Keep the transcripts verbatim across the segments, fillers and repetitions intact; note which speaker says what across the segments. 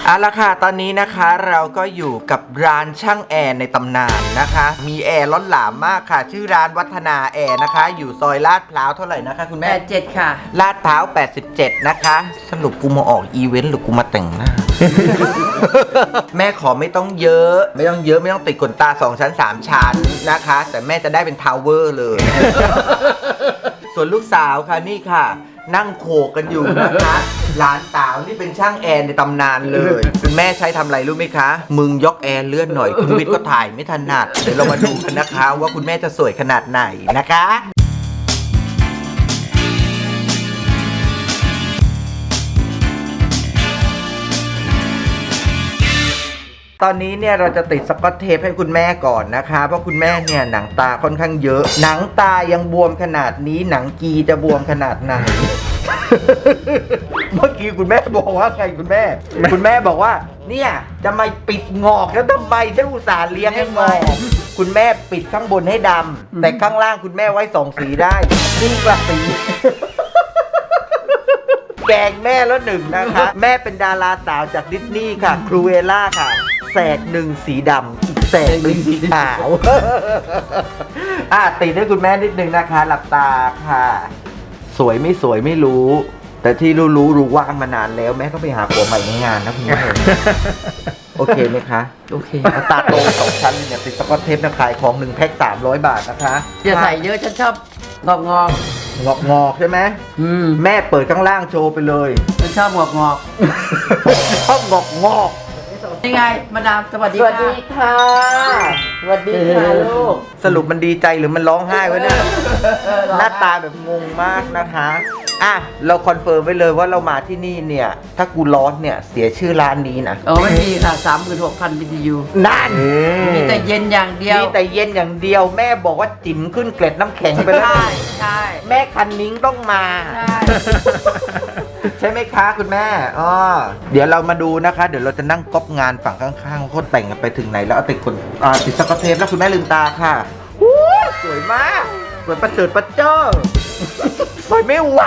Speaker 1: เอาละค่ะตอนนี้นะคะเราก็อยู่กับร้านช่างแอร์ในตำนานนะคะมีแอร์ล้นหลามมากค่ะชื่อร้านวัฒนาแอร์นะคะอยู่ซอยลาดพร้าวเท่าไหร่นะคะคุณ
Speaker 2: แป
Speaker 1: แม่
Speaker 2: ดเจ็ดค่ะ
Speaker 1: ลาดพร้าวแปดสิบเจ็ดนะคะสรุปกูมาออกอีเวนต์หรือกูมาแต่งหน้า แม่ขอไม่ต้องเยอะไม่ต้องเยอะไม่ต้องติดขนตาสองชั้นสามชั้นนะคะแต่แม่จะได้เป็นทาวเวอร์เลย ส่วนลูกสาวค่ะนี่ค่ะนั่งโขกกันอยู่นะคะหลานสาวนี่เป็นช่างแอร์ในตำนานเลยคุณแม่ใช้ทำอะไรรู้ไหมคะมึงยกแอร์เลื่อนหน่อยคุณวิทย์ก็ถ่ายไม่ถนัดเดี๋ยวเรามาดูกันนะคะว่าคุณแม่จะสวยขนาดไหนนะคะตอนนี้เนี่ยเราจะติดสกอตเทปให้คุณแม่ก่อนนะคะเพราะคุณแม่เนี่ยหนังตาค่อนข้างเยอะหนังตายังบวมขนาดนี้หนังกีจะบวมขนาดไหน เมื่อกี้คุณแม่บอกว่าไงคุณแม่ คุณแม่บอกว่าเนี่ยจะมาปิดงอกแล้วทำไมฉันอุตส่าห์เลี้ยงให้งอกคุณแม่ปิดข้างบนให้ดำแต่ข้างล่างคุณแม่ไว้สองสีได้ซึ่งกระสี แกงแม่แล้วหนึ่งนะคะ แม่เป็นดาราสาวจากดิสนีย์ค่ะครูเอล่าค่ะแสกหนึ่งสีดำอีกแสกหนึ่งสีขาว อ่ะติดให้คุณแม่นิดนึงนะคะ หลับตาค่ะ สวยไม่สวยไม่รู้ แต่ที่รู้รู้รู้ว่างมานานแล้วแม่ก็ไปหาผัวใหม่ในงานนะคุณแม่ โอเคไหมคะ
Speaker 2: โอเค
Speaker 1: ตาโตสองชั้นเนี่ยติดสกอตเทปนะขายของหนึ่งแพ็คสามร้อยบาทนะคะ
Speaker 2: อย่าใส่เยอะฉันชอบงอกงอก
Speaker 1: งอกงอกใช่ไหม
Speaker 2: อืม
Speaker 1: แม่เปิดข้างล่างโชว์ไปเลย
Speaker 2: ฉันชอบงอกงอก
Speaker 1: ชอบงอกงอก
Speaker 2: ยังไงมาดามสวัสดี
Speaker 1: สวัส
Speaker 2: ค่ะ
Speaker 1: ดีค่ะสวัสดีค่ะลูกสรุปมันดีใจหรือมันร้องไห้วะเนี่ยหน้าตาแบบงงมากนะคะอ่ะเราคอนเฟิร์มไว้เลยว่าเรามาที่นี่เนี่ยถ้ากูร้อนเนี่ยเสียชื่อร้านนี้นะ
Speaker 2: โอ้ไม่มีค่ะสามหมื่นหกพันบีทียู
Speaker 1: นั่น
Speaker 2: มีแต่เย็นอย่างเดียว
Speaker 1: มีแต่เย็นอย่างเดียวแม่บอกว่าจิ๋มขึ้นเกล็ดน้ำแข็งไปแล้ว
Speaker 2: ใช่ใช่
Speaker 1: แม่คันนิ้งต้องมา
Speaker 2: ใช่
Speaker 1: ใช่ไหมคะคุณแม่อ๋อเดี๋ยวเรามาดูนะคะ เดี๋ยวเราจะนั่งก๊อปงานฝั่งข้างๆโคตรแต่งกันไปถึงไหนแล้วเอาติดคนอ่าติดสกอตเทปแล้วคุณแม่ลืมตาค่ะอู้สวยมากสวยประเสริฐประเจ้อสวยไม่ไหว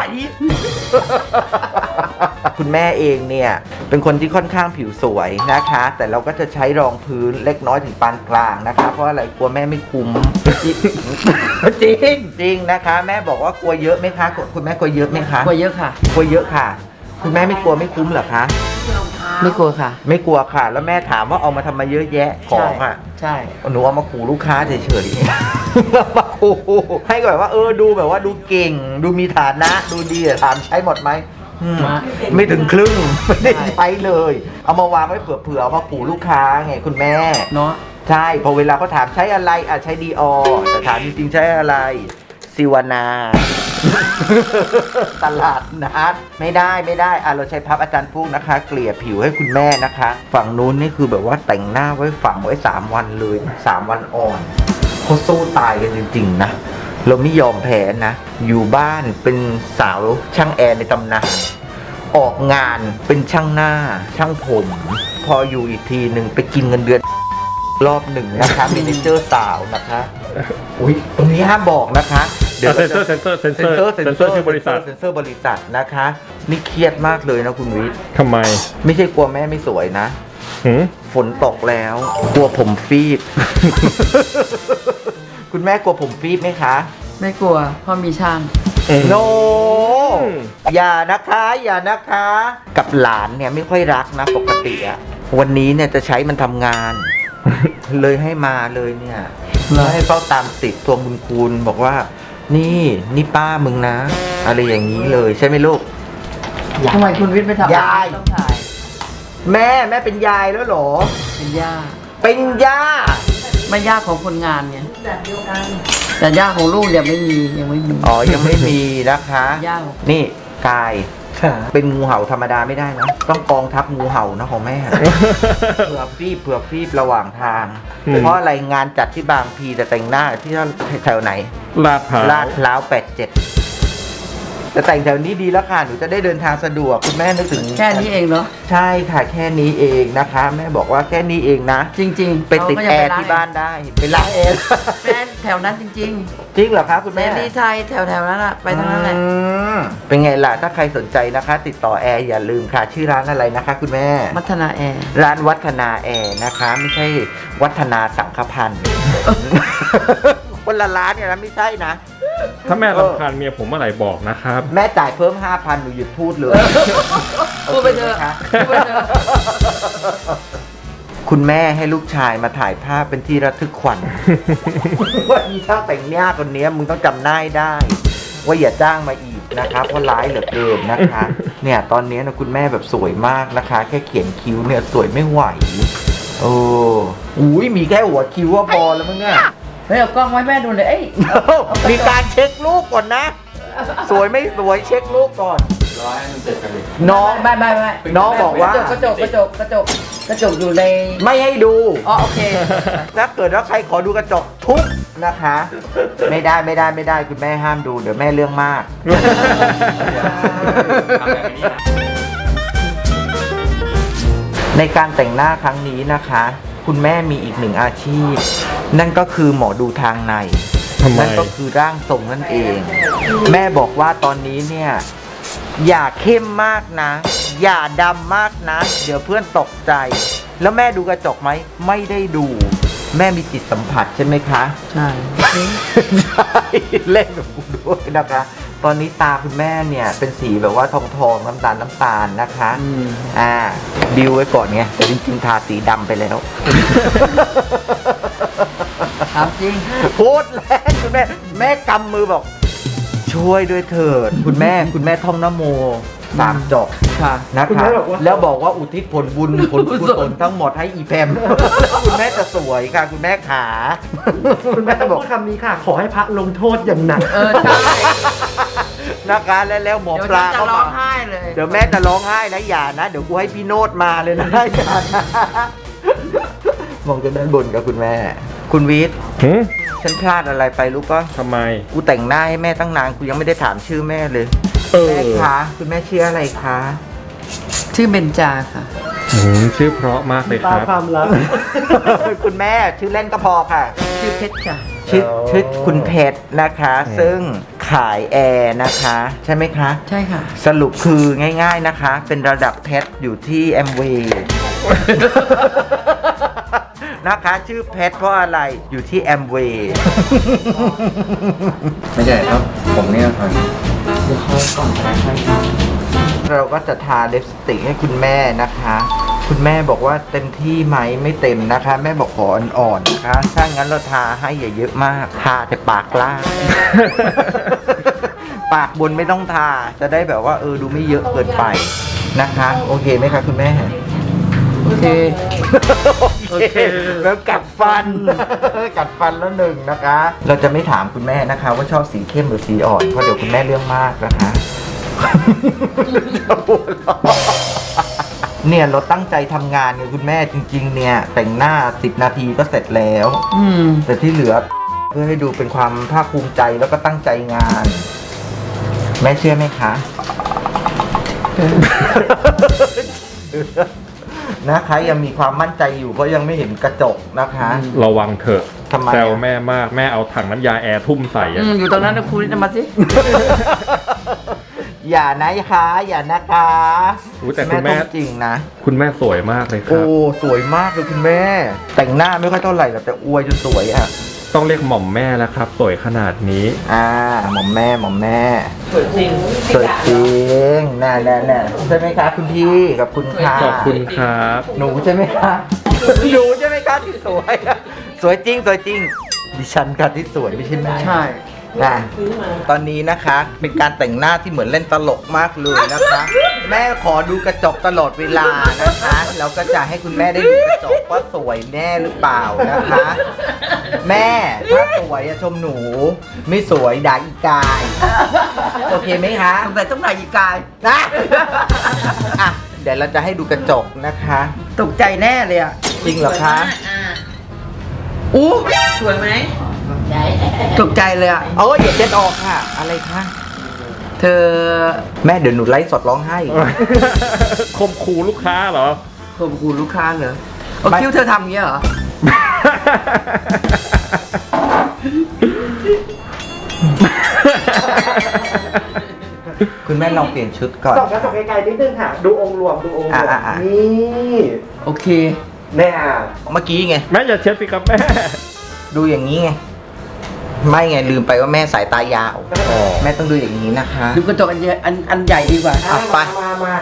Speaker 1: คุณแม่เองเนี่ยเป็นคนที่ค่อนข้างผิวสวยนะคะ แต่เราก็จะใช้รองพื้นเล็กน้อยถึงปานกลางนะคะ เพราะอะไรกลัวแม่ไม่คุ้ม จริงจริงนะคะ แม่บอกว่ากลัวเยอะไหมคะคุณแม่กลัวเยอะไหมคะ
Speaker 2: กลัวเยอะค่ะ
Speaker 1: กลัวเยอะค่ะ คุณแม่ไม่กลัวไม่คุ้มเหรอคะ
Speaker 2: ไม่กลัวค่ะ
Speaker 1: ไม่กลัวค่ะ แล้วแม่ถามว่าเอามาทำมาเยอะแยะของอ่ะ
Speaker 2: ใช่
Speaker 1: หนูเอามาขู่ลูกค้าเฉยๆ มาขู่ให้แบบว่าเออดูแบบว่าดูเก่ง ดูมีฐานะดูดีอะถามใช้หมดไหมอืมไม่ถึงครึ่ง ไม่ได้ใช้เลย เอามาวางไว้เผื่อๆเอามาขู่ลูกค้าไงคุณแม่
Speaker 2: เนาะ
Speaker 1: ใช่พอเวลาเขาถามใช้อะไรอ่ะใช้ดีออแต่ถามจริงๆใช้อะไรซิวานา ตลาดนัดไม่ได้ไม่ได้อ่ะเราใช้พับอาจารย์ปุ๊กนะคะ เกลี่ยผิวให้คุณแม่นะคะ ฝั่งนู้นนี่คือแบบว่าแต่งหน้าไว้ฝังไว้สามวันเลยสามวันอ่อนเขาสู้ตายกันจริงๆนะเราไม่ยอมแพ้นะอยู่บ้านเป็นสาวช่างแอร์ในตำนานออกงานเป็นช่างหน้าช่างผม พออยู่อีกทีหนึ่งไปกินเงินเดือนรอบหนึ่งนะคะเมเนเจอร์สาวนะคะอุ้ยตรงนี้ห้ามบอกนะคะเดี๋ยว
Speaker 3: เซนเซอร์เซนเซอร์เซน
Speaker 1: เซ
Speaker 3: เซ
Speaker 1: น
Speaker 3: อร์
Speaker 1: เซอร์เซน
Speaker 3: เซน
Speaker 1: เซ
Speaker 3: เซ
Speaker 1: อ
Speaker 3: อ
Speaker 1: ร์
Speaker 3: ร์ชื่อบริษัท
Speaker 1: เซนเซอร์บริษัทนะคะนี่เครียดมากเลยนะคุณวิทย์
Speaker 3: ทำไม
Speaker 1: ไม่ใช่กลัวแม่ไม่สวยนะ
Speaker 3: หืม
Speaker 1: ฝนตกแล้วกลัวผมฟีบ คุณแม่กลัวผมฟีบไหมคะ
Speaker 2: ไม่กลัวเพราะมีช่าง
Speaker 1: โนอย่านะคะอย่านะคะ กับหลานเนี่ยไม่ค่อยรักนะปกติอะวันนี้เนี่ยจะใช้มันทำงาน เลยให้มาเลยเนี่ยแล้วให้เฝ้าตามติดทวงบุญคุณบอกว่า นี่นี่ป้ามึงนะ อะไรอย่างนี้เลยใช่ไหมลูก
Speaker 2: ทำไมคุณวิทย์ไม่ทำ
Speaker 1: ยาย
Speaker 2: ต้องถ่าย
Speaker 1: แม่แม่เป็นยายแล้วเหรอ
Speaker 2: เป็นย่า
Speaker 1: เป็นย่า
Speaker 2: ไม่ย่าของคนงานไงแต่ย่าของลูกยังไม่มียังไม่มี
Speaker 1: อ๋อยังไม่มีนะคะ
Speaker 2: ย่า
Speaker 1: นี่กายเป็นงูเห่าธรรมดาไม่ได้นะ ต้องกองทัพงูเห่านะของแม่ เผื่อฟีบเผื่อฟีบระหว่างทาง
Speaker 3: อืม
Speaker 1: เพราะอะไรงานจัดที่บางพีแต่แต่งหน้าที่แถวไหน
Speaker 3: ลาดพร้าว
Speaker 1: ลาดพร้าวแปดเจ็ดแต่แต่งแถวนี้ดีแล้วค่ะหนูจะได้เดินทางสะดวกคุณแม่นึกถึง
Speaker 2: แค่นี้เองเนาะ
Speaker 1: ใช่ค่ะแค่นี้เองนะคะ แม่บอกว่าแค่นี้เองนะ
Speaker 2: จริงๆ
Speaker 1: ไปติดแอร์ที่บ้านได้ไปล้างแอร์
Speaker 2: แม่แถวนั้นจริง
Speaker 1: จริงเหรอคะคุณ
Speaker 2: ๆเส
Speaker 1: แม่
Speaker 2: รีไทยแถวๆนั้นอะไปทางนั้นแหละ
Speaker 1: อืมเป็นไงล่ะถ้าใครสนใจนะคะ ติดต่อแอร์อย่าลืมค่ะ ชื่อร้านอะไรนะคะ คุณแม่
Speaker 2: มัทนาแอร์
Speaker 1: ร้านวัฒนาแอร์นะคะ ไม่ใช่วัฒนาสังฆพันธ์ คนละร้านเนี่ยนะไม่ใช่นะ
Speaker 3: ถ้าแม่รำคาญเมียผมเมื่อไหร่บอกนะครับ
Speaker 1: แม่จ่ายเพิ่มห้าพันหนูหยุดพูดเลย
Speaker 2: พูดไปเถอะ
Speaker 1: โคหมคะ
Speaker 2: พูดไปเถอะ
Speaker 1: คุณแม่ให้ลูกชายมาถ่ายภาพเป็นที่ระทึกขวัญ ว่าอีช่างแต่งหน้าคนนี้มึงต้องจำหน้าให้ได้ ว่าอย่าจ้างมาอีกนะคะเพราะร้ายเหลือเกินนะคะ เนี่ยตอนนี้นะคุณแม่แบบสวยมากนะคะ แค่เขียนคิ้วเนี่ยสวยไม่ไหวโอ้อุ้ยมีแค่หัวคิ้วว่าพอแล้วมั้งเนี่ย
Speaker 2: เฮ้ยเอากล้องไว้แม่ดูเลยเอ้ย
Speaker 1: มีการเช็ครูปก่อนนะ สวยไม่สวยเช็ครูปก่อน
Speaker 3: ร้อยมันเสร็จกันเลย
Speaker 1: น้อง
Speaker 2: ไม่ไม่ไม่
Speaker 1: น้องบอกว่า
Speaker 2: กระจกกระจกกระจกกระจกอยู่ใน
Speaker 1: ไม่ให้ดู
Speaker 2: อ๋อโอเค
Speaker 1: ถ้าเกิดว่าใครขอดูกระจกทุบนะคะ ไม่ได้ไม่ได้ไม่ได้คุณแม่ห้ามดูเดี๋ยวแม่เรื่องมาก ในการแต่งหน้าครั้งนี้นะคะ คุณแม่มีอีกหนึ่งอาชีพ นั่นก็คือหมอดูทางใน
Speaker 3: ทำไม
Speaker 1: นั่นก็คือร่างทรงนั่นเอง แม่บอกว่าตอนนี้เนี่ย อย่าเข้มมากนะ อย่าดำมากนะ เดี๋ยวเพื่อนตกใจ แล้วแม่ดูกระจกไหมไม่ได้ดู แม่มีจิตสัมผัสใช่ไหมคะ
Speaker 2: ใช่
Speaker 1: ใช่เล่นกับกูด้วยนะคะ ตอนนี้ตาคุณแม่เนี่ยเป็นสีแบบว่าทองทองๆน้ำตาลน้ำตาลนะคะ
Speaker 2: อืม
Speaker 1: อ่าบิวไว้ก่อนไงแต่จริงๆทาสีดำไปแล้ว
Speaker 2: ถามจริง
Speaker 1: พูดแรงคุณแม่แม่กำมือบอก ช่วยด้วยเถิดคุณแม่คุณแม่ท่องนะโมสามจบ
Speaker 2: ค่ะ
Speaker 1: นะคะแล้วบอกว่าอุทิศผลบุญผลกุศลทั้งหมดให้อีแพม แล้วคุณแม่จะสวยค่ะ คุณแม่ขา
Speaker 4: คุณแม่ต้องพูดคำนี้ค่ะ ขอให้พระลงโทษอย่างหนัก
Speaker 2: เออใช่
Speaker 1: นะคะแล้วแล้วหมอ
Speaker 2: เดี๋ยว
Speaker 1: ปลา
Speaker 2: ฉันจะ
Speaker 1: เข้า
Speaker 2: ร้อ
Speaker 1: มา
Speaker 2: งไห้เลย
Speaker 1: เดี๋ยวแม่จะร้องไห้นะอย่านะเดี๋ยวกูให้พี่โนดมาเลยนะอย่านะมองจนด้านบนกับคุณแม่ คุณวิทย์
Speaker 3: หืม
Speaker 1: ฉันพลาดอะไรไปรู้ปะ
Speaker 3: ทำไม
Speaker 1: กูแต่งหน้าให้แม่ตั้งนานกูยังไม่ได้ถามชื่อแม่เลย
Speaker 3: เออ
Speaker 1: แม่คะคุณแม่ชื่ออะไรคะ
Speaker 2: ชื่อเบญจาค่ะ
Speaker 3: หืมชื่อเพราะมากเลยค
Speaker 4: ตา
Speaker 3: รับ
Speaker 4: ความรัก
Speaker 1: คุณแม่ชื่อเล่นก็พอค่ะ
Speaker 2: ชื่อเพชรค่ะ
Speaker 1: ชื่อ
Speaker 4: อ๋อ
Speaker 1: ชื่อคุณเพชรนะคะ ซึ่งขายแอร์นะคะ ใช่ไหมคะ
Speaker 2: ใช่ค่ะ
Speaker 1: สรุปคือง่ายๆนะคะ เป็นระดับเพชรอยู่ที่แอมเวย์นะคะ ชื่อเพชรเพราะอะไรอยู่ที่แอมเวย์
Speaker 3: ไม่ใช่ครับ ผมเนี่ยครับ
Speaker 1: เราก็จะทาลิปสติกให้คุณแม่นะคะ คุณแม่บอกว่าเต็มที่ไหมไม่เต็มนะคะ แม่บอกขออ่อนๆนะคะ ถ้างั้นเราทาให้อย่าเยอะมาก ทาแต่ปากล่าง ปากบนไม่ต้องทา จะได้แบบว่าเออดูไม่เยอะเกินไปนะคะ โอเคไหมคะคุณแม่
Speaker 2: โอเค
Speaker 1: โอเคแล้วกัดฟัน กัดฟันแล้วหนึ่งนะคะ เราจะไม่ถามคุณแม่นะคะ ว่าชอบสีเข้มหรือสีอ่อนเพราะเดี๋ยวคุณแม่เรื่องมากนะคะ เนี่ยเราตั้งใจทำงานกับคุณแม่จริง ๆ เนี่ย แต่งหน้าสิบนาทีก็เสร็จแล้ว
Speaker 2: อืม
Speaker 1: แต่ที่เหลือเพื่อให้ดูเป็นความภาคภูมิใจแล้วก็ตั้งใจงาน แม่เชื่อไหมคะ นะคะยังมีความมั่นใจอยู่เพราะยังไม่เห็นกระจกนะคะ
Speaker 3: ระวังเถอะ
Speaker 1: ทำไมอะ
Speaker 3: แซวแม่มาก แม่เอาถังน้ำยาแอร์ทุ่มใส่
Speaker 2: อื
Speaker 3: อะ
Speaker 2: มอยู่ตรงนั้นนะครูนี่จะมาสิ
Speaker 1: อย่านะคะ อย่านะคะ
Speaker 3: อุ๊ยแต่คุณแม่
Speaker 1: ต้องจริงนะ
Speaker 3: คุณแม่สวยมากเลยค
Speaker 1: โอ้
Speaker 3: รับ
Speaker 1: สวยมากเลยคุณแม่ แต่งหน้าไม่ค่อยเท่าไหร่หรอกแต่อวยจนสวยอะ
Speaker 3: ต้องเรียกหม่อมแม่แล้วครับ สวยขนาดนี้
Speaker 1: อ่าหม่อมแม่หม่อมแม่
Speaker 2: สวยจริง
Speaker 1: สวยจริงน่าแน่แน่ใช่ไหมคะคุณพี่กับคุณค่ะ
Speaker 3: ขอบคุณครับ
Speaker 1: หนูใช่ไหมคะหนูใช่ไหมคะที่สวยอะสวยจริงสวยจริง ดิฉันค่ะที่สวยไม่ใช่แม่
Speaker 2: ใช่
Speaker 1: นะตอนนี้นะคะเป็นการแต่งหน้าที่เหมือนเล่นตลกมากเลยนะคะ แม่ขอดูกระจกตลอดเวลานะคะแล้วก็จะให้คุณแม่ได้ดูกระจกว่าสวยแน่หรือเปล่านะคะ แม่ถ้าสวยอะชมหนู ไม่สวยด่าอีกาย โอเคไหมคะ
Speaker 2: สงสัยต้องไหนอีกกาย
Speaker 1: นะอ่ะเดี๋ยวเราจะให้ดูกระจกนะคะ
Speaker 2: ตกใจแน่เลยอ่ะ
Speaker 1: จริงเหรอคะ
Speaker 2: อู้สวยไหมตกใจเลยอ่ะ
Speaker 1: เอ้ยอย่าเด็ดออกค่ะ อะไรคะ
Speaker 2: เธเธอ
Speaker 1: แม่เดี๋ยวหนูไลฟ์สดร้องไห้
Speaker 3: คมคูลูกค้าเหรอ
Speaker 2: ข่มขู่ลูกค้าเหรอเอา
Speaker 1: ไม่
Speaker 2: คิ้วเธอทำอย่างเงี้ยเหรอ
Speaker 1: คุณแม่ลองเปลี่ยนชุดก่อน
Speaker 4: ส่องกระจกไกลๆนิดนึงค่ะ ดูองค์รวมดูองค์รวม
Speaker 1: อ่ะอ่ะอ่ะ
Speaker 4: นี่
Speaker 2: โอเค
Speaker 4: แน่อ่ะ
Speaker 1: เมื่อกี้ไง
Speaker 3: แม่อย่าเช็ดสิครับแม่
Speaker 1: ดูอย่างนี้ไง ไม่ไงลืมไปว่าแม่สายตายาว
Speaker 3: อ๋อ
Speaker 1: แม่ต้องดูอย่างนี้นะคะ
Speaker 2: ดูกระจกอันใหญ่อันอันใหญ่ดีกว่า
Speaker 1: อ่ะไป
Speaker 4: มามามา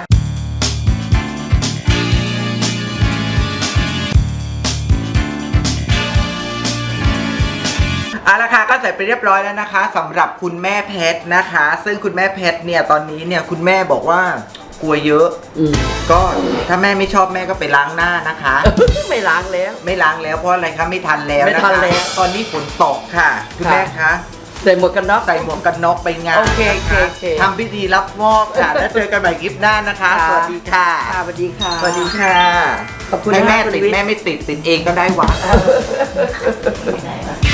Speaker 1: เอาละค่ะก็เสร็จไปเรียบร้อยแล้วนะคะสำหรับคุณแม่เพชรนะคะ ซึ่งคุณแม่เพชรเนี่ยตอนนี้เนี่ยคุณแม่บอกว่ากลัวเยอะ
Speaker 2: อืม
Speaker 1: ก็ถ้าแม่ไม่ชอบแม่ก็ไปล้างหน้านะคะ
Speaker 2: ไม่ล้างแล้ว
Speaker 1: ไม่ล้างแล้วเพราะอะไรคะไม่ทันแล้ว
Speaker 2: ไม่
Speaker 1: นะ
Speaker 2: ทัน
Speaker 1: คะ
Speaker 2: แล้ว
Speaker 1: ตอนนี้ฝนตกค่ะ คุณ
Speaker 2: ค่ะ
Speaker 1: แม่คะ
Speaker 2: ใส่หมวกกันน็อก
Speaker 1: ใส่หมวกกันน็อกไปงาน
Speaker 2: โอเคโอเค
Speaker 1: นะะ
Speaker 2: โอเค
Speaker 1: ทำพิธีรับมอบค่ะ แล้วเจอกันใหม่คลิปหน้านะคะ
Speaker 2: ค่ะ
Speaker 1: สวัสดีค่ะ
Speaker 2: ค่ะสวัสดีค่ะ
Speaker 1: สวัสดีค่ะ
Speaker 2: ขอบคุณ
Speaker 1: ให้แม่
Speaker 2: มากคุณ
Speaker 1: ติด
Speaker 2: วิทย์
Speaker 1: แม่ไม่ติดติดเองก็ได้หวะ